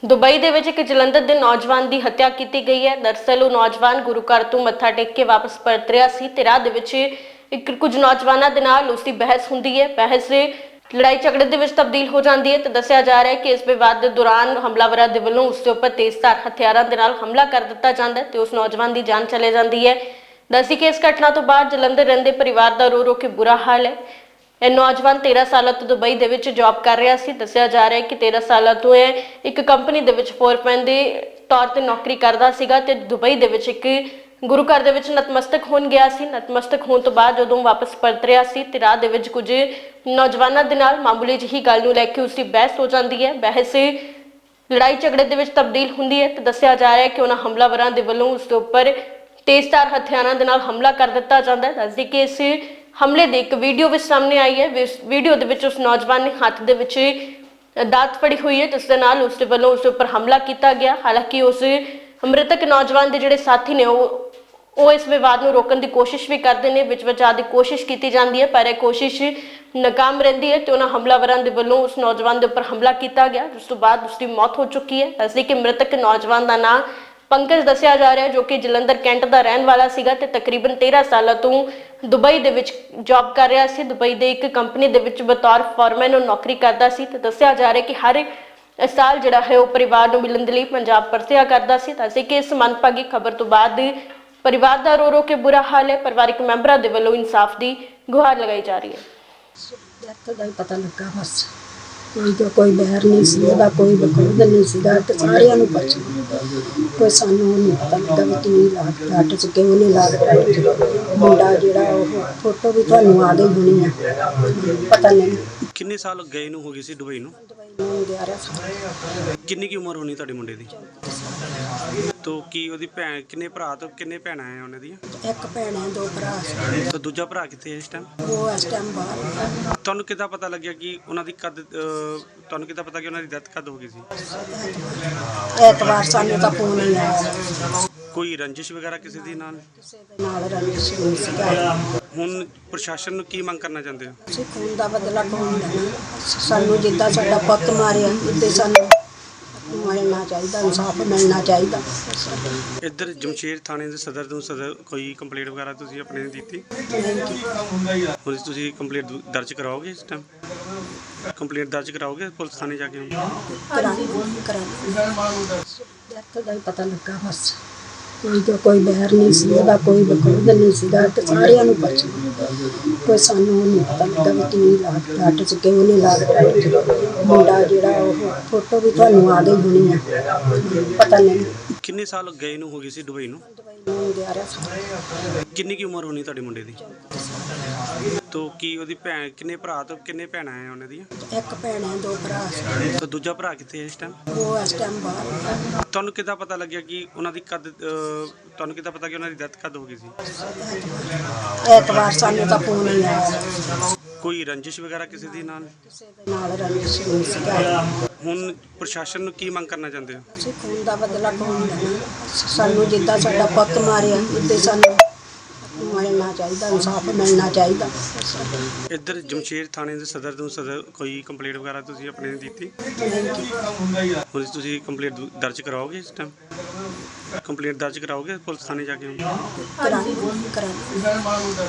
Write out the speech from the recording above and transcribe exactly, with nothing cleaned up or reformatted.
Dubai ਦੇ ਵਿੱਚ ਇੱਕ ਜਲੰਧਰ ਦੇ ਨੌਜਵਾਨ ਦੀ ਹੱਤਿਆ ਕੀਤੀ ਗਈ ਹੈ। ਦਰਅਸਲ ਉਹ ਨੌਜਵਾਨ ਗੁਰੂ ਘਰ ਤੋਂ ਮੱਥਾ ਟੇਕ ਕੇ ਵਾਪਸ ਪਰਤ ਰਿਹਾ ਸੀ ਤੇ ਰਾਹ ਦੇ ਵਿੱਚ ਇੱਕ ਕੁਝ ਨੌਜਵਾਨਾਂ ਦੇ ਨਾਲ ਉਸ ਦੀ ਬਹਿਸ ਹੁੰਦੀ ਹੈ। ਬਹਿਸ ਲੜਾਈ ਝਗੜੇ ਦੇ ਵਿੱਚ ਤਬਦੀਲ ਹੋ ਜਾਂਦੀ ਹੈ ਤੇ ਦੱਸਿਆ ਜਾ ਰਿਹਾ ਹੈ ਕਿ ਇਸ ਵਿਵਾਦ ਦੇ ਦੌਰਾਨ ਹਮਲਾਵਰਾਂ ਦੇ ਵੱਲੋਂ ਉਸ ਦੇ ਉੱਪਰ ਤੇਜ਼ਧਾਰ ਹਥਿਆਰਾਂ ਦੇ ਨਾਲ ਹਮਲਾ ਕਰ ਦਿੱਤਾ ਜਾਂਦਾ ਹੈ ਤੇ ਉਸ ਨੌਜਵਾਨ ਦੀ ਜਾਨ ਚਲੇ ਜਾਂਦੀ ਹੈ। ਦੱਸੀ ਕਿ ਇਸ ਘਟਨਾ ਤੋਂ ਬਾਅਦ ਜਲੰਧਰ ਰਹਿੰਦੇ ਪਰਿਵਾਰ ਦਾ ਰੋ ਰੋ ਕੇ ਬੁਰਾ ਹਾਲ ਹੈ। ਇਹ ਨੌਜਵਾਨ तेरह ਸਾਲਾਂ ਤੋਂ ਦੁਬਈ ਦੇ ਵਿੱਚ ਜੌਬ ਕਰ ਰਿਹਾ ਸੀ। ਦੱਸਿਆ ਜਾ ਰਿਹਾ ਹੈ ਕਿ तेरह ਸਾਲਾਂ ਤੋਂ ਇਹ ਇੱਕ ਕੰਪਨੀ ਦੇ ਵਿੱਚ ਫੋਰਮੈਨ ਦੇ ਤੌਰ ਤੇ ਨੌਕਰੀ ਕਰਦਾ ਸੀਗਾ ਤੇ ਦੁਬਈ ਦੇ ਵਿੱਚ ਇੱਕ ਗੁਰੂ ਘਰ ਦੇ ਵਿੱਚ ਨਤਮਸਤਕ ਹੋਣ ਗਿਆ ਸੀ। ਨਤਮਸਤਕ ਹੋਣ ਤੋਂ ਬਾਅਦ ਜਦੋਂ ਵਾਪਸ ਪਰਤ ਰਿਹਾ ਸੀ ਤੇ ਰਾਹ ਦੇ ਵਿੱਚ ਕੁਝ ਨੌਜਵਾਨਾਂ ਦੇ ਨਾਲ ਮਾਮੂਲੀ ਜਿਹੀ ਗੱਲ ਨੂੰ ਲੈ ਕੇ ਉਸ ਦੀ ਬਹਿਸ ਹੋ ਜਾਂਦੀ ਹੈ। ਬਹਿਸ ਲੜਾਈ ਝਗੜੇ ਦੇ ਵਿੱਚ ਤਬਦੀਲ ਹੁੰਦੀ ਹੈ ਤੇ ਦੱਸਿਆ ਜਾ ਰਿਹਾ ਹੈ ਕਿ ਉਹਨਾਂ ਹਮਲਾਵਰਾਂ ਦੇ ਵੱਲੋਂ ਉਸ ਦੇ ਉੱਪਰ ਤੇਜ਼ਧਾਰ ਹਥਿਆਰਾਂ ਦੇ ਨਾਲ ਹਮਲਾ ਕਰ ਦਿੱਤਾ ਜਾਂਦਾ ਹੈ। ਦੱਸਦੀ ਕਿ ਇਸ ਹਮਲੇ ਦੀ ਇੱਕ ਵੀਡੀਓ ਵੀ ਸਾਹਮਣੇ ਆਈ ਹੈ। ਵੀਡੀਓ ਦੇ ਵਿੱਚ ਉਸ ਨੌਜਵਾਨ ਨੇ ਹੱਥ ਦੇ ਵਿੱਚ ਦਾਤ ਫੜੀ ਹੋਈ ਹੈ ਜਿਸ ਦੇ ਨਾਲ ਉਸ ਦੇ ਵੱਲੋਂ ਉਸ ਦੇ ਉੱਪਰ ਹਮਲਾ ਕੀਤਾ ਗਿਆ। ਹਾਲਾਂਕਿ ਉਸ ਮ੍ਰਿਤਕ ਨੌਜਵਾਨ ਦੇ ਜਿਹੜੇ ਸਾਥੀ ਨੇ ਉਹ ਉਹ ਇਸ ਵਿਵਾਦ ਨੂੰ ਰੋਕਣ ਦੀ ਕੋਸ਼ਿਸ਼ ਵੀ ਕਰਦੇ ਨੇ। ਵਿੱਚ ਵਿਚ ਆਉਣ ਦੀ ਕੋਸ਼ਿਸ਼ ਕੀਤੀ ਜਾਂਦੀ ਹੈ ਪਰ ਇਹ ਕੋਸ਼ਿਸ਼ ਨਾਕਾਮ ਰਹਿੰਦੀ ਹੈ ਤੇ ਉਹਨਾਂ ਹਮਲਾਵਰਾਂ ਦੇ ਵੱਲੋਂ ਉਸ ਨੌਜਵਾਨ ਦੇ ਉੱਪਰ ਹਮਲਾ ਕੀਤਾ ਗਿਆ ਜਿਸ ਤੋਂ ਬਾਅਦ ਉਸ ਦੀ ਮੌਤ ਹੋ ਚੁੱਕੀ ਹੈ। ਦੱਸਦੀ ਕਿ ਮ੍ਰਿਤਕ ਨੌਜਵਾਨ ਦਾ ਨਾਂ ਪੰਕਜ ਦੱਸਿਆ ਜਾ ਰਿਹਾ ਹੈ ਜੋ ਕਿ ਜਲੰਧਰ ਕੈਂਟ ਦਾ ਰਹਿਣ ਵਾਲਾ ਸੀਗਾ ਤੇ ਤਕਰੀਬਨ तेरह ਸਾਲਾਂ ਤੋਂ ਦੁਬਈ ਦੇ ਵਿੱਚ ਜੌਬ ਕਰ ਰਿਹਾ ਸੀ। ਦੁਬਈ ਦੇ ਇੱਕ ਕੰਪਨੀ ਦੇ ਵਿੱਚ ਬਤੌਰ ਫੋਰਮੈਨ ਉਹ ਨੌਕਰੀ ਕਰਦਾ ਸੀ ਤੇ ਦੱਸਿਆ ਜਾ ਰਿਹਾ ਕਿ ਹਰ ਸਾਲ ਜਿਹੜਾ ਹੈ ਉਹ ਪਰਿਵਾਰ ਨੂੰ ਮਿਲਣ ਦੇ ਲਈ ਪੰਜਾਬ ਪਰਤਿਆ ਕਰਦਾ ਸੀ। ਤਾਂ ਅਸੀਂ ਕਿ ਇਸ ਮੰਦਭਾਗੀ ਖਬਰ ਤੋਂ ਬਾਅਦ ਪਰਿਵਾਰ ਦਾ ਰੋ ਰੋ ਕੇ ਬੁਰਾ ਹਾਲ ਹੈ। ਪਰਿਵਾਰਕ ਮੈਂਬਰਾਂ ਦੇ ਵੱਲੋਂ ਇਨਸਾਫ ਦੀ ਗੁਹਾਰ ਲਗਾਈ ਜਾ ਰਹੀ ਹੈ। ਡੈਥ ਦਾ ਹੀ ਪਤਾ ਲੱਗਾ ਬਸ। ਕੋਈ ਤਾਂ ਕੋਈ ਬਹਿਰ ਨਹੀਂ ਸੀ ਉਹਦਾ, ਕੋਈ ਬਕੂਦ ਨਹੀਂ ਸੀਗਾ ਤੇ ਸਾਰਿਆਂ ਨੂੰ ਪਛ ਕੋਈ ਸਾਨੂੰ ਨਹੀਂ ਪਤਾ ਲੱਗਾ ਵੀ ਕੀ ਲਾਗ ਡਾਟ ਚ ਕਿਉਂ ਨਹੀਂ ਲਾਗ ਡਾਟ ਚ ਮੁੰਡਾ ਜਿਹੜਾ ਉਹ ਫੋਟੋ ਵੀ ਤੁਹਾਨੂੰ ਆ ਗਈ ਹੋਣੀ ਆ, ਪਤਾ ਨਹੀਂ ਕਿੰਨੇ ਸਾਲ ਗਏ ਨੂੰ ਹੋ ਗਏ ਸੀ ਦੁਬਈ ਨੂੰ? ਦੁਬਈ ਨੂੰ ਗਿਆਰਾਂ ਸਾਲ। ਕਿੰਨੀ ਕੀ ਉਮਰ ਹੋਣੀ ਤੁਹਾਡੇ ਮੁੰਡੇ ਦੀ? ਤੋ ਕੀ ਉਹਦੀ ਭੈਣ ਕਿੰਨੇ ਭਰਾ ਤੋਂ ਕਿੰਨੇ ਭੈਣਾਂ ਆ ਉਹਨਾਂ ਦੀਆਂ? ਇੱਕ ਭੈਣ ਹੈ, ਦੋ ਭਰਾ ਸੀ। ਤਾਂ ਦੂਜਾ ਭਰਾ ਕਿੱਥੇ ਹੈ ਇਸ ਟਾਈਮ? ਉਹ ਇਸ ਟਾਈਮ ਬਾਹਰ। ਤੁਹਾਨੂੰ ਕਿੱਦਾਂ ਪਤਾ ਲੱਗਿਆ ਕਿ ਉਹਨਾਂ ਦੀ ਕਦ ਅਹ, ਤੁਹਾਨੂੰ ਕਿੱਦਾਂ ਪਤਾ ਕਿ ਉਹਨਾਂ ਦੀ ਡੈਥ ਕਦ ਹੋ ਗਈ ਸੀ? ਐਤਵਾਰ ਸਾਨੂੰ ਤਾਂ ਫੋਨ ਨਹੀਂ ਆਇਆ। ਕੋਈ ਰੰਜਿਸ਼ ਵਗੈਰਾ ਕਿਸੇ ਦੀ ਨਾਲ? ਕਿਸੇ ਦੇ ਨਾਲ ਰੰਜਿਸ਼ ਨਹੀਂ ਸੀਗਾ। ਹੁਣ ਪ੍ਰਸ਼ਾਸਨ ਨੂੰ ਕੀ ਮੰਗ ਕਰਨਾ ਚਾਹੁੰਦੇ ਹੋ? ਅਸੀਂ ਖੂਨ ਦਾ ਬਦਲਾ ਕੌਣ ਲੈਣਾ? ਸਾਨੂੰ ਜਿੱਦਾਂ ਸਾਡਾ ਪੁੱਤ ਮਾਰਿਆ ਇੱਦਾਂ ਸਾਨੂੰ ਮਿਲਣਾ ਚਾਹੀਦਾ, ਇਨਸਾਫ ਮਿਲਣਾ ਚਾਹੀਦਾ। ਇੱਧਰ ਜਮਸ਼ੇਰ ਥਾਣੇ ਦੇ ਸਦਰ ਤੋਂ ਸਦਰ ਕੋਈ ਕੰਪਲੇਂਟ ਵਗੈਰਾ ਤੁਸੀਂ ਆਪਣੇ ਨੇ ਦਿੱਤੀ? ਹੁਣ ਤੁਸੀਂ ਕੰਪਲੇਂਟ ਦਰਜ ਕਰਾਓਗੇ ਇਸ ਟਾਈਮ? ਕੰਪਲੇਂਟ ਦਰਜ ਕਰਾਓਗੇ ਪੁਲਿਸ ਥਾਣੇ ਜਾ ਕੇ? ਕਰਾਂਗੇ ਕਰਾਂਗੇ। ਡੈਥ ਦਾ ਹੀ ਪਤਾ ਲੱਗਾ ਬਸ। ਕੋਈ ਤਾਂ ਕੋਈ ਬਹਿਰ ਨਹੀਂ ਸੀ ਉਹਦਾ, ਕੋਈ ਬਕੂਦ ਨਹੀਂ ਸੀਗਾ ਤੇ ਸਾਰਿਆਂ ਨੂੰ ਪਛ ਕੋਈ ਸਾਨੂੰ ਨਹੀਂ ਪਤਾ ਲੱਗਾ ਵੀ ਕੀ ਲਾਗ ਡਾਟ ਚ ਕਿਉਂ ਨਹੀਂ ਲਾਗ ਡਾਟ ਚ ਮੁੰਡਾ ਜਿਹੜਾ ਉਹ ਫੋਟੋ ਵੀ ਤੁਹਾਨੂੰ ਆ ਗਈ ਹੋਣੀ ਆ, ਪਤਾ ਨਹੀਂ ਕਿੰਨੇ ਸਾਲ ਗਏ ਨੂੰ ਹੋ ਗਏ ਸੀ ਦੁਬਈ ਨੂੰ? ਦੁਬਈ ਨੂੰ ਗਿਆਰਾਂ ਸਾਲ। ਕਿੰਨੀ ਕੀ ਉਮਰ ਹੋਣੀ ਤੁਹਾਡੇ ਮੁੰਡੇ ਦੀ? ਤੋ ਕੀ ਉਹਦੀ ਭੈਣ ਕਿੰਨੇ ਭਰਾ ਤੋਂ ਕਿੰਨੇ ਭੈਣਾਂ ਆ ਉਹਨਾਂ ਦੀਆਂ? ਇੱਕ ਭੈਣ ਹੈ, ਦੋ ਭਰਾ ਸੀ। ਤਾਂ ਦੂਜਾ ਭਰਾ ਕਿੱਥੇ ਹੈ ਇਸ ਟਾਈਮ? ਉਹ ਇਸ ਟਾਈਮ ਬਾਹਰ। ਤੁਹਾਨੂੰ ਕਿੱਦਾਂ ਪਤਾ ਲੱਗਿਆ ਕਿ ਉਹਨਾਂ ਦੀ ਕਦ ਅਹ, ਤੁਹਾਨੂੰ ਕਿੱਦਾਂ ਪਤਾ ਕਿ ਉਹਨਾਂ ਦੀ ਡੈਥ ਕਦ ਹੋ ਗਈ ਸੀ? ਐਤਵਾਰ ਸਾਨੂੰ ਤਾਂ ਫੋਨ ਨਹੀਂ ਆਇਆ। ਕੋਈ ਰੰਜਿਸ਼ ਵਗੈਰਾ ਕਿਸੇ ਦੀ ਨਾਲ? ਕਿਸੇ ਦੇ ਨਾਲ ਰੰਜਿਸ਼ ਨਹੀਂ ਸੀਗਾ। ਹੁਣ ਪ੍ਰਸ਼ਾਸਨ ਨੂੰ ਕੀ ਮੰਗ ਕਰਨਾ ਚਾਹੁੰਦੇ ਹੋ? ਅਸੀਂ ਖੂਨ ਦਾ ਬਦਲਾ ਕੌਣ ਲੈਣਾ? ਸਾਨੂੰ ਜਿੱਦਾਂ ਸਾਡਾ ਪੁੱਤ ਮਾਰਿਆ ਇੱਦਾਂ ਸਾਨੂੰ ਮਿਲਣਾ ਚਾਹੀਦਾ, ਇਨਸਾਫ ਮਿਲਣਾ ਚਾਹੀਦਾ। ਇੱਧਰ ਜਮਸ਼ੇਰ ਥਾਣੇ ਦੇ ਸਦਰ ਤੋਂ ਸਦਰ ਕੋਈ ਕੰਪਲੇਂਟ ਵਗੈਰਾ ਤੁਸੀਂ ਆਪਣੇ ਨੇ ਦਿੱਤੀ? ਹੁਣ ਤੁਸੀਂ ਕੰਪਲੇਂਟ ਦਰਜ ਕਰਾਓਗੇ ਇਸ ਟਾਈਮ? ਕੰਪਲੇਂਟ ਦਰਜ ਕਰਾਓਗੇ ਪੁਲਿਸ ਥਾਣੇ ਜਾ ਕੇ? ਕਰਾਂਗੇ ਕਰਾਂਗੇ।